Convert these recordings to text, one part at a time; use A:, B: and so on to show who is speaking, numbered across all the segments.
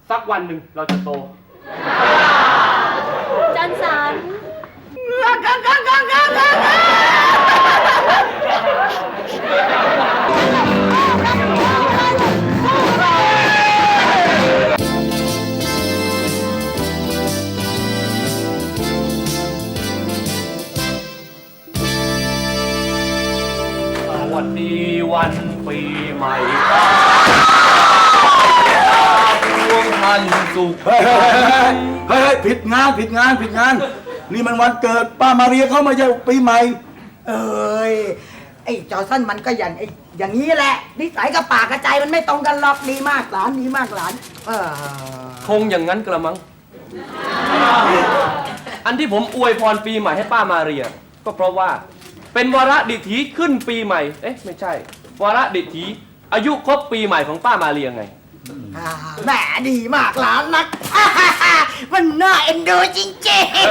A: สักวันหนึ่งเราจะโต
B: จันสัน
A: สวัสดีวันปีใหม่ดวงท่านสุข
C: เฮ้ยผิดงานนี่มันวันเกิดป้ามาเรียเขาไม่ใช่ปีใหม่
D: เอ้ยไอ้จอสันมันก็อย่างนี้แหละนิสัยกับปากกระใจมันไม่ตรงกันหรอกดีมากหลาน
A: คงอย่างนั้นกระมังอันที่ผมอวยพรปีใหม่ให้ป้ามาเรียก็เพราะว่าเป็นวาระดิถีขึ้นปีใหม่ไม่ใช่วาระดิถีอายุครบปีใหม่ของป้ามาเรียไง
D: แหมดีมากหลานนักมันน่าเอ็นดูจริง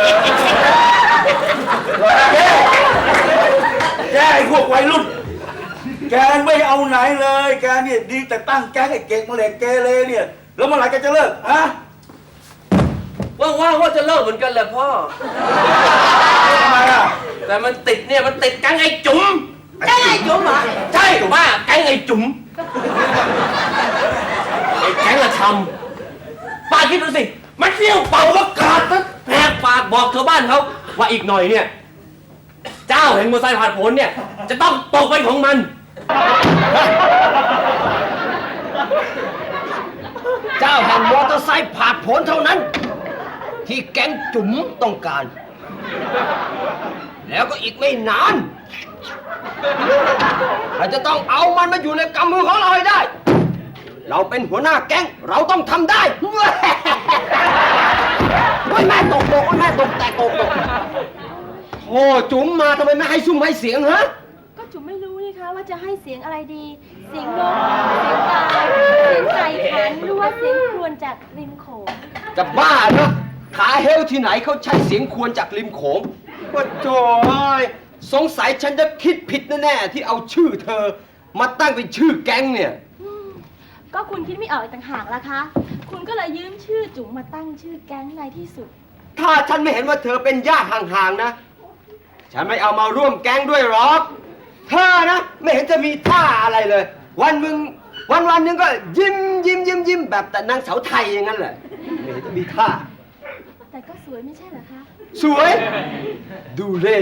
C: แกไอ้พวกวัยรุ่นแกไม่เอาไหนเลยแกเนี่ยดีแต่ตั้งแกให้เก่งมาเหล็กเกเรเนี่ยแล้วเมื่อไหร่แกจะเลิกฮะ
A: ว่างว่าจะเลิกเหมือนกันแหละพ่อ
C: ทำไมอ่ะ
A: แต่มันติดแก๊งไอ้จุ๋ม
D: แก๊งไอ้จุ๋มเหรอ
A: ใช่ว่าแก๊งไอ้จุ๋มไอ้แก๊งละชำป้าคิดดูสิมันเที่ยวเป่าประกาศแหกปากบอกชาวบ้านเขาว่าอีกหน่อยเนี่ยเจ้าแห่งมอเตอร์ไซค์ผ่านผลเนี่ยจะต้องตกเป็นของมัน
E: เจ้าแห่งมอเตอร์ไซค์ผ่านผลเท่านั้นที่แก๊งจุ๋มต้องการแล้วก็อีกไม่นานเราจะต้องเอามันมาอยู่ในกำมือของเราให้ได้เราเป็นหัวหน้าแก๊งเราต้องทำได้แม่ตกแต่ตกโอ้จุ๋มมาทำไมไม่ให้ซุ่มให้เสียงฮะ
B: ก็จุ๋มไม่รู้นี่คะว่าจะให้เสียงอะไรดีเสียงนกเสียงกาเสียงไก่ขันหรือว่าเสียงครวญจากริมโขง
E: จะบ้าเนอะขาเฮลที่ไหนเขาใช้เสียงครวญจากริมโขงว่าโจ้ยสงสัยฉันจะคิดผิดแน่ๆที่เอาชื่อเธอมาตั้งเป็นชื่อแก๊งเนี่ย
B: ก็คุณคิดไม่ออกต่างหากล่ะคะคุณก็เลยยืมชื่อจุ๋มมาตั้งชื่อแก๊งในที่สุด
E: ถ้าฉันไม่เห็นว่าเธอเป็นญาติห่างๆนะฉันไม่เอามาร่วมแก๊งด้วยหรอกเธอนะไม่เห็นจะมีท่าอะไรเลยวันหนึ่งก็ยิ้มแบบแต่นางสาวไทยอย่างนั้นแหละไม่เห็นจะมีท่า
B: แต่ก็สวยไม่ใช่เหรอคะ
E: สวยดูเล่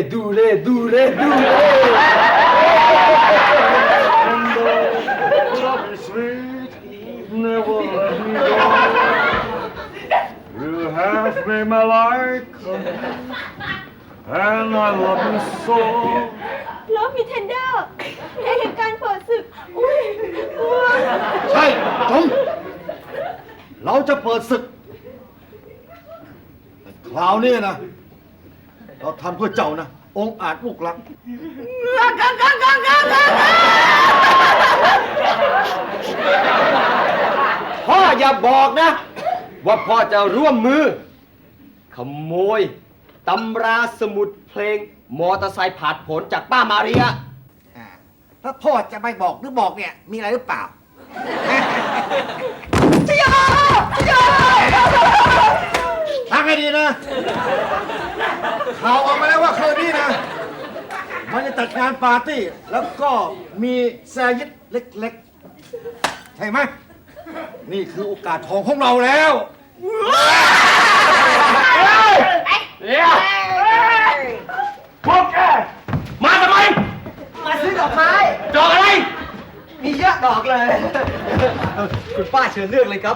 C: You have made my life and I love you so
B: ลบมีเทนเดอร์ในเหตุการณ์เปิดศึก
C: ใช่จงเราจะเปิดศึกคราวนี้นะเราทำเพื่อเจ้านะองค์อาจลูกรัก
E: พ่ออย่าบอกนะว่าพ่อจะร่วมมือขโมยตำราสมุดเพลงมอเตอร์ไซค์ผ่านผลจากป้ามาเรีย
D: ถ้าพ่อจะไม่บอกหรือบอกเนี่ยมีอะไรหรือเปล่า
C: ฟังให้ดีนะข่าวออกมาแล้วว่าคืนนี้นะมันจะจัดงานปาร์ตี้แล้วก็มีแซยิดเล็กๆใช่ไหมนี่คือโอกาสทองของเราแล้วพวกแกมาทำไม
D: มาซื้อดอกไม้
A: ดอกอะไร
D: มีเยอะดอกเลย
E: คุณป้าเชิญเลือกเลยครับ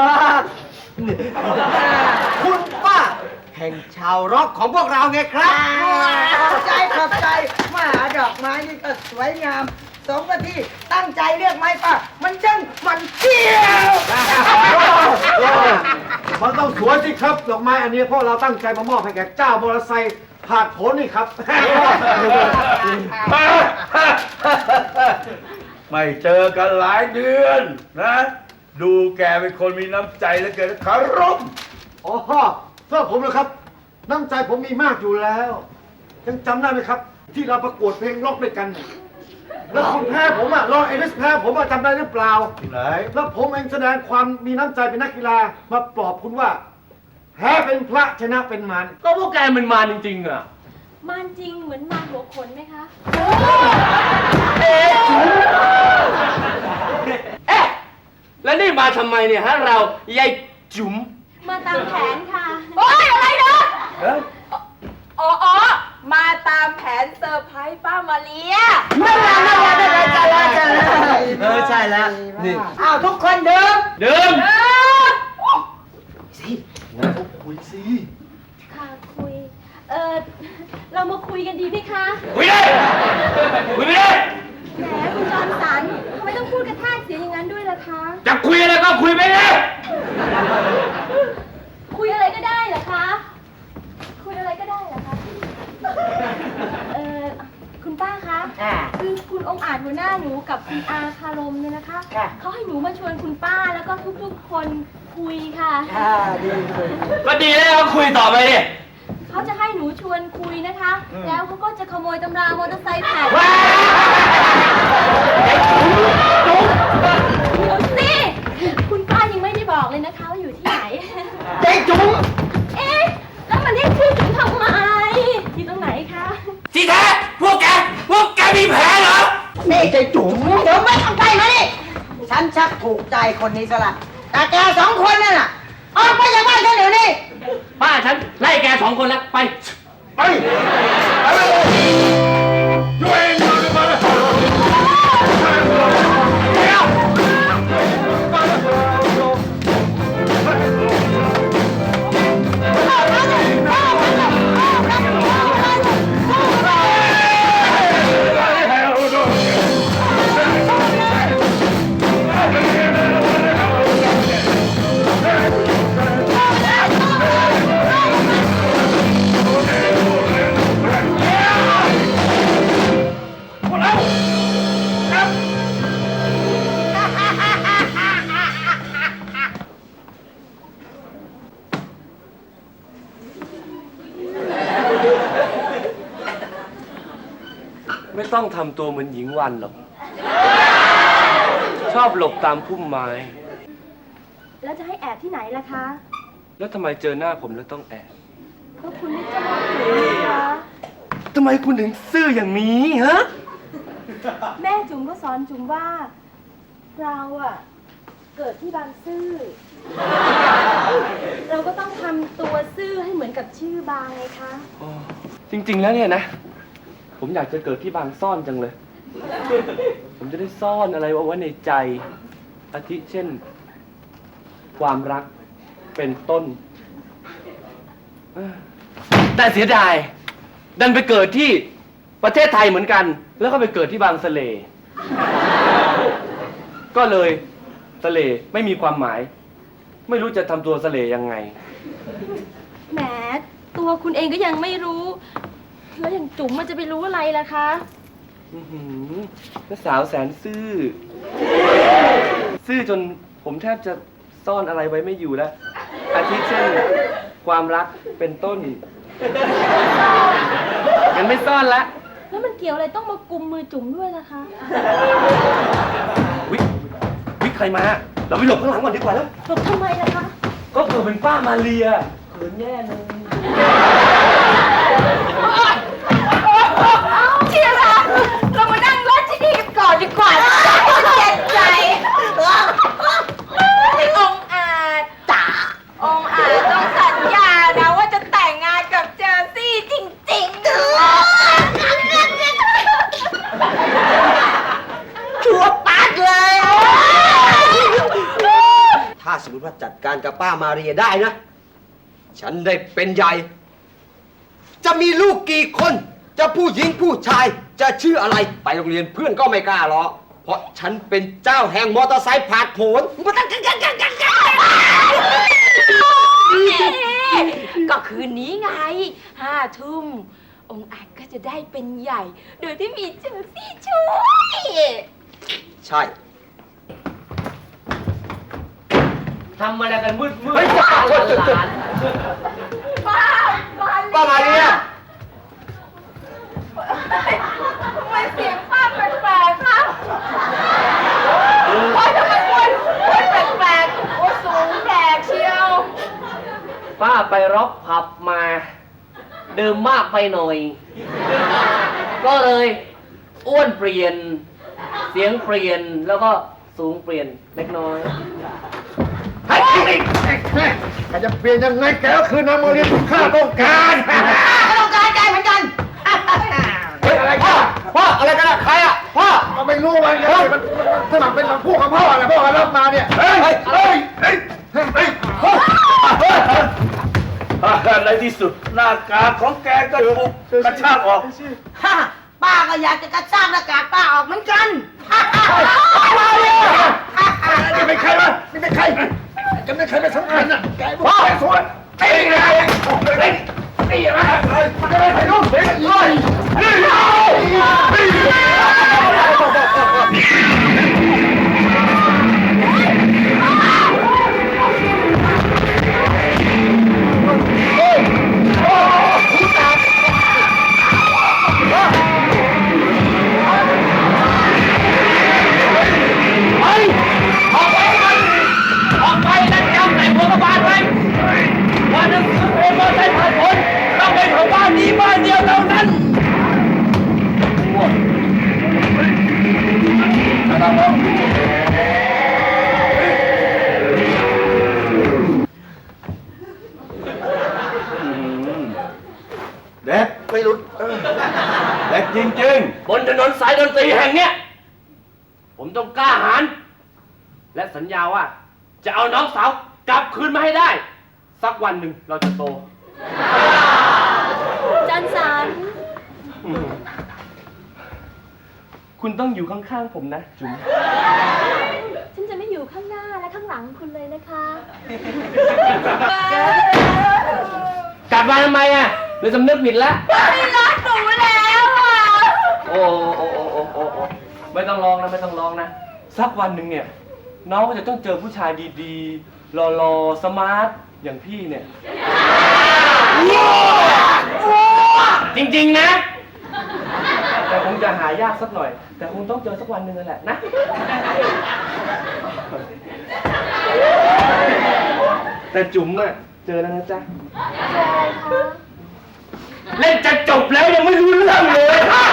E: คุณป้าแห่งชาวร็อกของพวกเราไงครับ
D: ขอบใจมาหาดอกไม้นี่ก็สวยงามสมกับที่ตั้งใจเลือกไม้ป่ะมันจังมันเที่ยว
C: มันต้องสวยสิครับดอกไม้อันนี้เพราะเราตั้งใจมามอบให้แก่เจ้ามอเตอร์ไซค์ผ่านผลนี่ครับไม่เจอกันหลายเดือนนะดูแกเป็นคนมีน้ำใจและเกิดคารมอ๋อเพื่อผมนะครับน้ำใจผมมีมากอยู่แล้วยังจำได้ไหมครับที่เราประกวดเพลงร็อกด้วยกันแล้วคุณแพ้ผมอ่ะรองเอลิสแพ้ผมอ่ะจำได้หรือเปล่า
E: ไหน
C: แล้วผมเองแสดงความมีน้ำใจเป็นนักกีฬามาปลอบคุณว่าแพ้เป็นพระชนะเป็นมาร
A: ก็พวกแกมันมาจริงๆอ่ะ
B: มานจริงเหมือนมานหัวขนไหมคะ
A: เอ๊ะ แล้วนี่มาทำไมเนี่ยฮะเรายายจุ๋ม
B: มาตามแผนค่ะโอ๊ยอะไรเนาะอ๋อ มาตามแผนเซอร์ไพรส์ป้ามาเลีย
D: นั่นแหละจะเลย
E: ใช่แล้วนี่
D: อ้าวทุกคนเดิม
A: เดิม
C: คุยสิ
B: ค่ะคุย เรามาคุยกันดีไหมคะ
A: คุยได้คุยไม่ได้
B: แหมคุณจอมสันทำไมต้องพูดกระแทกเสียงอย่างนั้นด้วยล่ะคะ
A: จะคุยอะไรก็คุยไม่ได้
B: คุยอะไรก็ได้เหรอคะ คุยอะไรก็ได้เหรอคะ คุณป้าคะ คือคุณองค์อาจหัวหน้าหนูกับคุณอาคารมเนี่ยนะคะ เขาให้หนูมาชวนคุณป้าแล้วก็ทุกๆคนคุยค่ะ
D: ดีเลย
A: ก็ดีแล้วก็คุยต่อไปดิ
B: เขาจะให้หนูชวนคุยนะคะ แล้วเขาก็จะขโมยตำรามอเตอร์ไซค์แผ่นเดี๋ยวสิคุณป้ายังไม่ได้บอกเลยนะคะว่าอยู่ที่ไหน
D: เจ๊จุ๋ม
B: เอ๊ะ แล้วมันเรียกชื่อถึงทำไม อยู่ตรงไหนคะ
A: ที่แท้พวกแกมีแผลเหรอ
D: นี่เจ๊จุ๋มเดี๋ยวไม่ต้องไปมาดิฉันชักถูกใจคนนี้ซะละแต่แกสองคนนั่นน่ะออกไปจากบ้านฉันเดี๋ยวนี้
A: ป้าฉันไล่แกสองคนแล้วไป
C: ไปช่วยมาเลยมาเลย
A: ไม่ต้องทำตัวเหมือนหญิงวันหรอก ชอบหลบตามพุ่มไม้
B: แล้วจะให้แอบที่ไหนล่ะคะ
A: แล้วทำไมเจอหน้าผมแล้วต้องแอบ
B: ก็คุณไม่ชอบหนูนี่คะ
A: ทำไมคุณถึงซื่ออย่างนี้ฮะ
B: แม่จุ๋มก็สอนจุ๋มว่า เราอะเกิดที่บางซื่อ เราก็ต้องทำตัวซื่อให้เหมือนกับชื่อบางไงคะ
A: จริงๆแล้วเนี่ยนะ ผมอยากจะเกิดที่บางซ่อนจังเลย ผมจะได้ซ่อนอะไรเอาไว้ในใจ อาทิเช่น ความรักเป็นต้น แต่เสียดาย ดันไปเกิดที่ประเทศไทยเหมือนกัน แล้วก็ไปเกิดที่บางสะเล ก็เลยสะเลไม่มีความหมาย ไม่รู้จะทำตัวสะเลยังไง
B: แหม ตัวคุณเองก็ยังไม่รู้ แล้วอย่างจุ๋มมันจะไปรู้อะไรล่ะคะ
A: อื้อหือแล้วสาวแสนซื่อ ซื่อจนผมแทบจะซ่อนอะไรไว้ไม่อยู่แล้ว อาทิเช่น ความรักเป็นต้นงั้นไม่ซ่อนละ
B: แล้วมันเกี่ยวอะไรต้องมากุมมือจุ๋มด้วยล่ะคะ
A: วิใครมา เราไปหลบข้างหลังก่อนดีกว่าแล้ว
B: หลบทำไมล่ะคะ
A: ก็เผื่อเป็นป้ามาเรียเขินแย่เลย
B: เอาที่รักเรามานั่งรถที่นี่กันก่อนดีกว่านะเจ็บใจองอาจจ๋าองอาจต้องสัญญานะว่าจะแต่งงานกับเจอซี่จริงๆ
D: ชัวปาดเลย
E: ถ้าสมมติว่าจัดการกับป้ามาเรียได้นะ ฉันได้เป็นใหญ่ จะมีลูกกี่คน จะผู้หญิงผู้ชาย จะชื่ออะไร ไปโรงเรียนเพื่อนก็ไม่กล้าหรอก เพราะฉันเป็นเจ้าแห่งมอเตอร์ไซค์ผาดโผน
F: ก็คืนนี้ไง5 ทุ่ม องค์อาจก็จะได้เป็นใหญ่ โดยที่มีเจอซี่ช่วย
E: ใช่
A: ทำอะไรกันมืด
E: เฮ้ยป้า
A: หลาน
E: ป้ามาเรีย
F: ทำไมเสียงป้าแปลกๆโอ๊ยทำไมอ้วนแปลกๆโอ๊ยสูงแปลกเชียว
A: ป้าไปร็อกผับมาดื่มมากไปหน่อย ก็เลยอ้วนเปลี่ยน เสียงเปลี่ยนแล้วก็สูงเปลี่ยนเล็กน้อย
C: ให้แกจะเปลี่ยนยังไงแกก็คือนางโมลินที่ข้าต้องการ
D: ก็ต้องการใจเหมือนกัน
C: เฮ้ยอะไรกัน
E: พ่ออะไรกันอะใครอะพ่อ
C: ก็ไม่รู้มันไงมันสมัครเป็นพวกของพ่ออะไรพ่อรับมาเนี่ยเฮ้ยเฮ้ยเฮ้ยเฮ้ย
G: ในที่สุดหน้ากากของแกก็ถูกกระชากออก
D: ฮ่าป้าก็อยากจะกระชากหน้ากากป้าออกเหมือนกัน
C: นี่เป็นใครวะนี่เป็นใครจะเป็นใครเป็นสำคัญอ่ะแกพ่อสวนตีเลยตีอะไรมันจะไม่ไปรู้เลย
A: ออกไปนั่นจำใส่หัวกระบาลไว้ว่าหนังสือเพลงมอไซค์ผ่านผลต้องเป็นของบ้านนี้บ้านเดียวเท่านั้น
G: เด็กไม่รู้เด็กจริง
A: บนถนนสายดนตรีแห่งเนี้ยผมต้องกล้าหาญและสัญญาว่า จะเอาน้องสาวกลับคืนมาให้ได้ สักวันหนึ่งเราจะโต
B: จันสัน
A: คุณต้องอยู่ข้างๆผมนะจุ๋ม
B: ฉันจะไม่อยู่ข้างหน้าและข้างหลังคุณเลยนะคะ
A: กลับมาทำไมอ่ะหรือสำนึกผิดแล้ว
F: ไม่รักหนูแล้วอ่ะ
A: โอ้ไม่ต้องร้องนะไม่ต้องร้องนะ สักวันหนึ่งเนี่ย น้องก็จะต้องเจอผู้ชายดีๆหล่อๆสมาร์ทอย่างพี่เนี่ย จริงๆนะ แต่คงจะหายากสักหน่อย แต่คงต้องเจอสักวันหนึ่งนั่นแหละนะ แต่จุ๋มอะเจอแล้วนะจ๊ะ เล่นจะจบแล้วยังไม่รู้เรื่องเลย